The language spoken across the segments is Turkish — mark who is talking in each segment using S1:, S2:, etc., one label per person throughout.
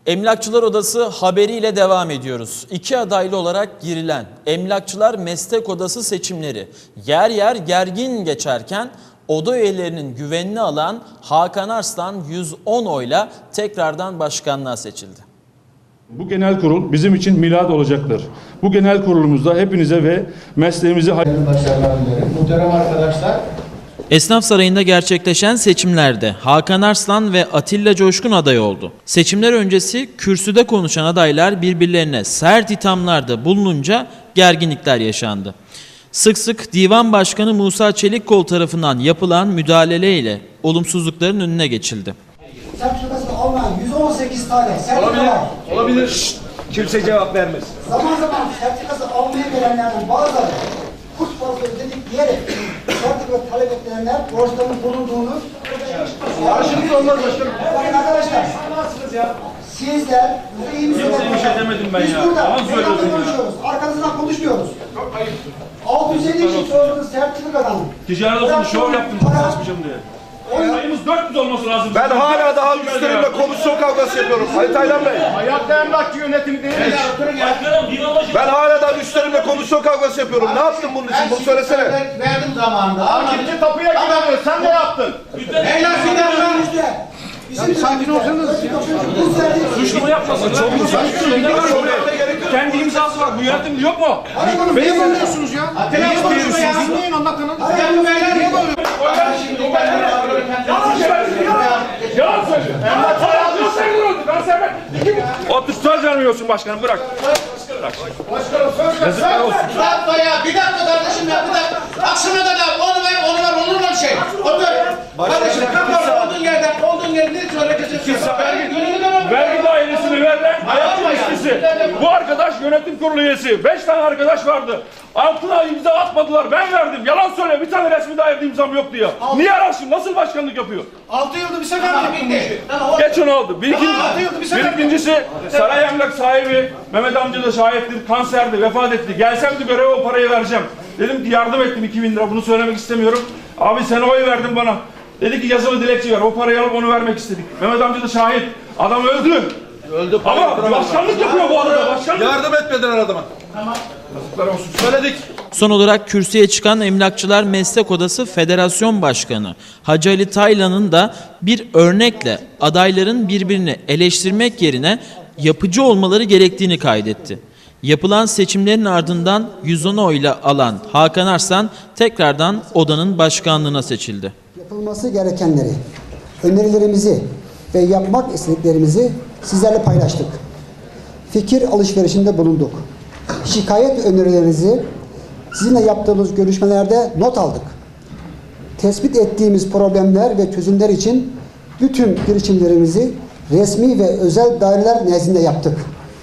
S1: Emlakçılar Odası haberiyle devam ediyoruz. İki adaylı olarak girilen Emlakçılar Meslek Odası seçimleri yer yer gergin geçerken oda üyelerinin güvenini alan Hakan Arslan 110 oyla tekrardan başkanlığa seçildi.
S2: Bu genel kurul bizim için milad olacaktır. Bu genel kurulumuzda hepinize ve mesleğimize
S3: başarılar dilerim. Muhterem arkadaşlar.
S1: Esnaf Sarayı'nda gerçekleşen seçimlerde Hakan Arslan ve Atilla Coşkun aday oldu. Seçimler öncesi kürsüde konuşan adaylar birbirlerine sert ithamlarda bulununca gerginlikler yaşandı. Sık sık Divan Başkanı Musa Çelikkol tarafından yapılan müdahaleyle olumsuzlukların önüne geçildi.
S4: Sertifikasını almayan 118 tane sertifika var.
S5: Olabilir. Şşt, kimse cevap vermez.
S4: Zaman zaman sertifikası almaya gelenlerden bazıları kurs fazla ödedik diyerek sertifika talep edilenler borçlarının bulunduğunu
S5: Şimdi olmaz başkanım.
S4: bakın arkadaşlar. Sizler iyi misiniz?
S5: Bir şey demedim ben
S4: Biz
S5: ya.
S4: burada
S5: Yalan söylüyorsun ya.
S4: konuşuyoruz. Arkanızdan konuşmuyoruz. 650 kişi sorduğunuz sertifikadan.
S5: Ticaret olsun şov yaptım saçmışım diye. Sayımız 400 olması lazım.
S6: Ben hala daha üstlerimle komisyon kavgası yapıyorum. Ali Taylan Bey.
S5: Hayatta emlakçı yönetimi değil. Başkanım divan başı.
S6: Ben hala daha üstlerimle komisyon kavgası yapıyorum. Ne yaptın bunun için? Bunu söylesene.
S3: Verdim zamanında.
S5: Kimse kapıya giremiyor. Sen ne yaptın?
S4: Sakin olsanız.
S5: Suçlama yapmasın. Çok mu kendi imzası var. Bu yönetim yok mu?
S4: Beni konuşuyorsunuz ya.
S5: Niye konuşuyorsunuz? Dinleyin anlatın. Yalan söylüyor. O tutar vermiyorsun başkanım, bırak. Yazıklar olsun.
S3: Bir dakika kardeşim ya, bir dakika. Aksine de onu ver, olur mu bir şey? Otur. Kardeşim, olduğun yerden ne söyleyeceksin?
S5: Vergi dairesini ver lan. Hayatın işçisi. Bu arkadaş yönetim kurulu üyesi. 5 tane arkadaş vardı. Altına imza atmadılar. Ben verdim. Yalan söyle. Bir tane resmi dairede imzam yok diyor. Niye ararsın? Nasıl başkanlık yapıyor?
S3: 6 yılda bir sefer bitti.
S5: Geç onu oldu. İkincisi saray emlak sahibi Mehmet amca da şahittir. Kanserdi, vefat etti. Gelsem de göreve o parayı vereceğim. Dedim ki yardım ettim 2000 lira. Bunu söylemek istemiyorum. Abi sen oy verdin bana. Dedi ki yazılı dilekçe ver. O parayı alıp onu vermek istedik. Mehmet amca da şahit. Adam öldü.
S6: Öldü.
S5: Ama başkanlık yapıyor bu arada. Başkanlık.
S6: Yardım etmediler adama.
S5: Tamam. Yazıklar olsun.
S6: Söyledik.
S1: Son olarak kürsüye çıkan Emlakçılar Meslek Odası Federasyon Başkanı Hacı Ali Taylan'ın da bir örnekle adayların birbirini eleştirmek yerine yapıcı olmaları gerektiğini kaydetti. Yapılan seçimlerin ardından 110 oyla alan Hakan Arslan tekrardan odanın başkanlığına seçildi.
S4: Yapılması gerekenleri, önerilerimizi ve yapmak istediklerimizi sizlerle paylaştık. Fikir alışverişinde bulunduk. Şikayet önerilerinizi sizinle yaptığımız görüşmelerde not aldık. Tespit ettiğimiz problemler ve çözümler için bütün girişimlerimizi resmi ve özel daireler nezdinde yaptık.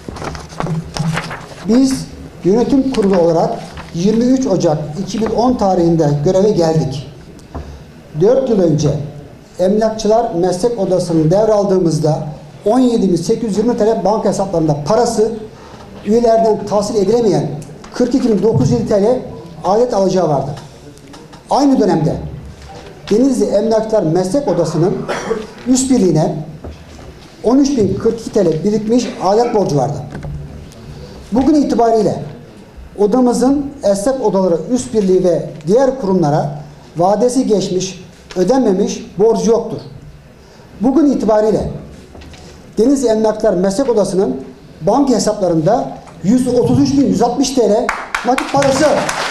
S4: Biz yönetim kurulu olarak 23 Ocak 2010 tarihinde göreve geldik. 4 yıl önce Emlakçılar Meslek Odası'nı devraldığımızda 17.820 TL banka hesaplarında parası üyelerden tahsil edilemeyen 42.907 TL alet alacağı vardı. Aynı dönemde Denizli Emlakçılar Meslek Odası'nın üst birliğine 13.042 TL birikmiş alet borcu vardı. Bugün itibariyle odamızın esnaf odaları üst birliği ve diğer kurumlara vadesi geçmiş, ödenmemiş borcu yoktur. Bugün itibariyle Denizli Emlakçılar Meslek Odası'nın banka hesaplarında 133.160 TL nakit parası